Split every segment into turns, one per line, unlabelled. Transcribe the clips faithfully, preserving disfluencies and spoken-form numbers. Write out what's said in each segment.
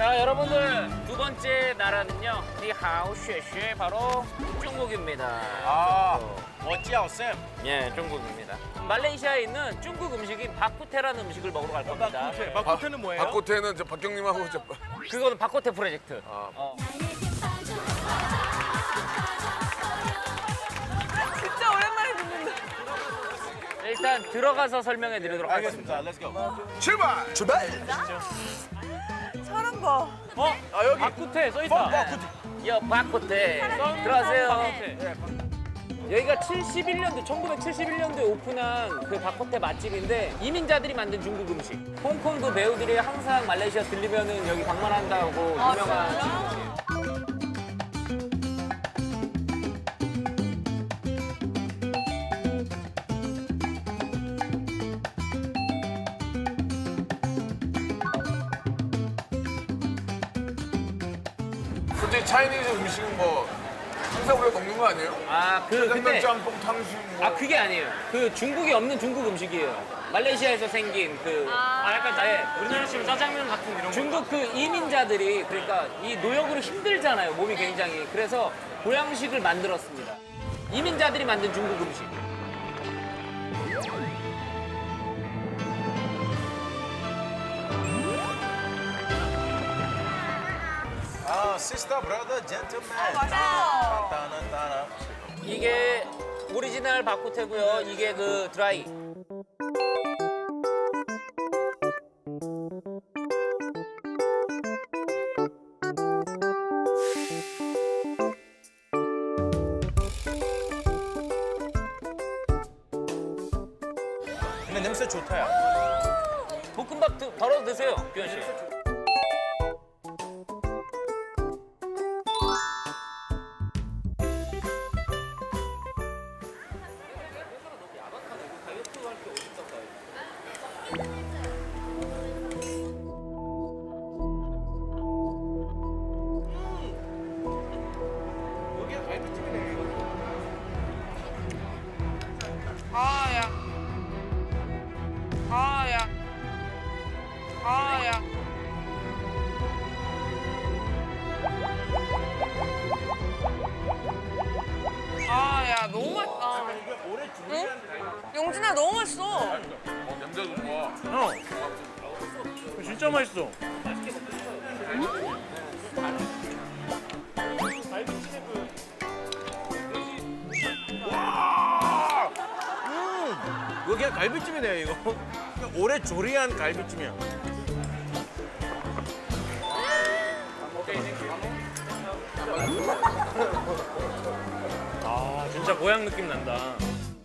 자, 여러분들 두 번째 나라는요. 니하오 쉐쉐 바로 중국입니다.
아, 어찌하오 쌤.
예, 중국입니다. 말레이시아에 있는 중국 음식인 바쿠테라는 음식을 먹으러 갈 겁니다.
바쿠테. 바쿠테는 뭐예요?
박고태는 저 박경님하고 저
그거는 바쿠테 프로젝트.
아.
어.
진짜 오랜만에 듣는다.
일단 들어가서 설명해 드리도록 하겠습니다.
알겠습니다. 렛츠고.
출발! 출발!
사람 봐.
어?
아, 여기.
바쿠테 써있다.
바쿠테.
여 바쿠테. 들어가세요. 여기가 칠십일 년도, 천구백칠십일 년도에 오픈한 그 바코테 맛집인데 이민자들이 만든 중국 음식. 홍콩도 배우들이 항상 말레이시아 들리면은 여기 방문한다고 유명한 중국이에요.
솔직히 차이니즈 음식은 뭐 항상 우리가 먹는 거 아니에요?
아, 그
짜장면,
근데
짬뽕, 탕수육 뭐.
아 그게 아니에요. 그 중국에 없는 중국 음식이에요. 말레이시아에서 생긴 그
아,
약간 짜, 예.
우리나라 치면 짜장면 같은 이런 거.
중국 그 이민자들이 그러니까 이 노역으로 힘들잖아요. 몸이 굉장히. 그래서 보양식을 만들었습니다. 이민자들이 만든 중국 음식.
아, 시스터, 브라더, 젠틀맨.
맞아요.
따나, 따나.
이게 오리지널 바쿠테고요. 이게 그 드라이.
근데 냄새 좋다, 야.
볶음밥 드, 덜어 드세요, 규현 씨.
여기가 갈비찜이네, 이거.
아, 야. 아, 야. 아, 야. 아, 야, 너무 맛있다. 응? 용진아, 너무 맛있어.
어, 냄새도 좋아.
형, 이거 진짜 맛있어.
이거 그냥 갈비찜이네, 이거. 그냥 오래 조리한 갈비찜이야.
아, 진짜 고향 느낌 난다.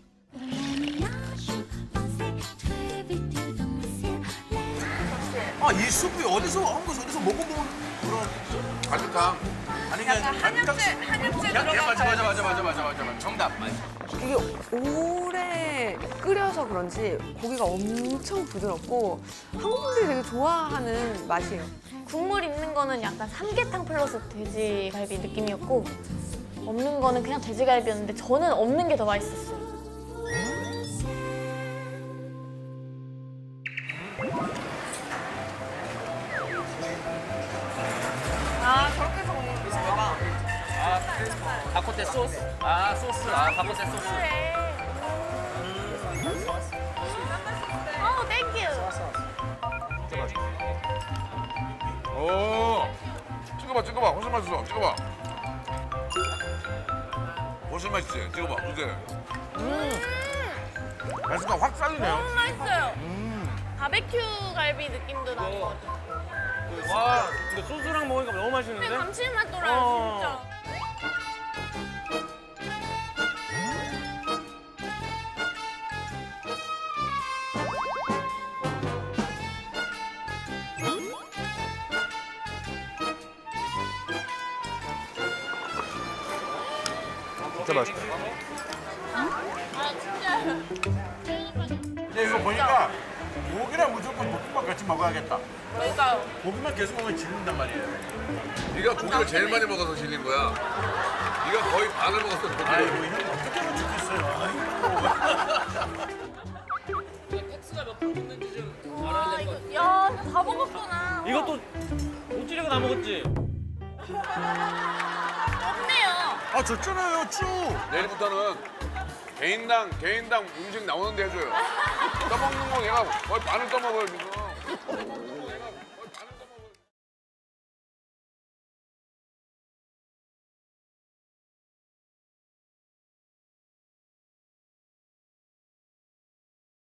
아, 이 수프 어디서, 한국에서 어디서 먹어본 그런.
갈비탕.
아니, 그냥
약간 한약재, 한약재
야, 야,
들어간
맞아, 맞아,
갈비.
맞아, 맞아, 맞아, 맞아, 맞아. 정답.
이게 오래 끓여서 그런지 고기가 엄청 부드럽고 한국 분들이 되게 좋아하는 맛이에요.
국물 있는 거는 약간 삼계탕 플러스 돼지갈비 느낌이었고 없는 거는 그냥 돼지갈비였는데 저는 없는 게 더 맛있었어요.
아, 저렇게 해서 먹는 거봐
아, 바코테 소스. 아, 소스. 아, 바코테 소스.
어, 땡큐.
오. 찍어봐, 찍어봐. 훨씬 맛있어. 찍어봐. 훨씬 맛있지? 찍어봐. 그지?
음. 맛있다, 확 살리네요.
너무 맛있어요. 바베큐 갈비 느낌도 나고.
와, 근데 소스랑 먹으니까 너무
근데
맛있는데?
감칠맛 돌아요,
어.
진짜.
진짜 맛있다.
아, 진짜.
근데 이거 보니까 고기랑 무조건 볶음밥 같이 먹어야겠다.
그러니까요.
고기만 계속 먹으면 질린단 말이에요.
네가 고기를 제일 많이 먹어서 질린 거야. 네가 거의 반을 먹었어. 고기를.
아이고, 형 어떻게 하면 좋겠어요. 아이고.
텍스가 몇 프로 붙는지 좀 알아야
아,
될 것
이거,
같아요.
야, 다 먹었구나.
이것도 못 찌르고 까먹었지?
없네요.
아 줬잖아요 쭉.
내일부터는 개인당 개인당 음식 나오는데 해줘요. 떠먹는 거 얘가 거의 반을 떠먹어요 지금.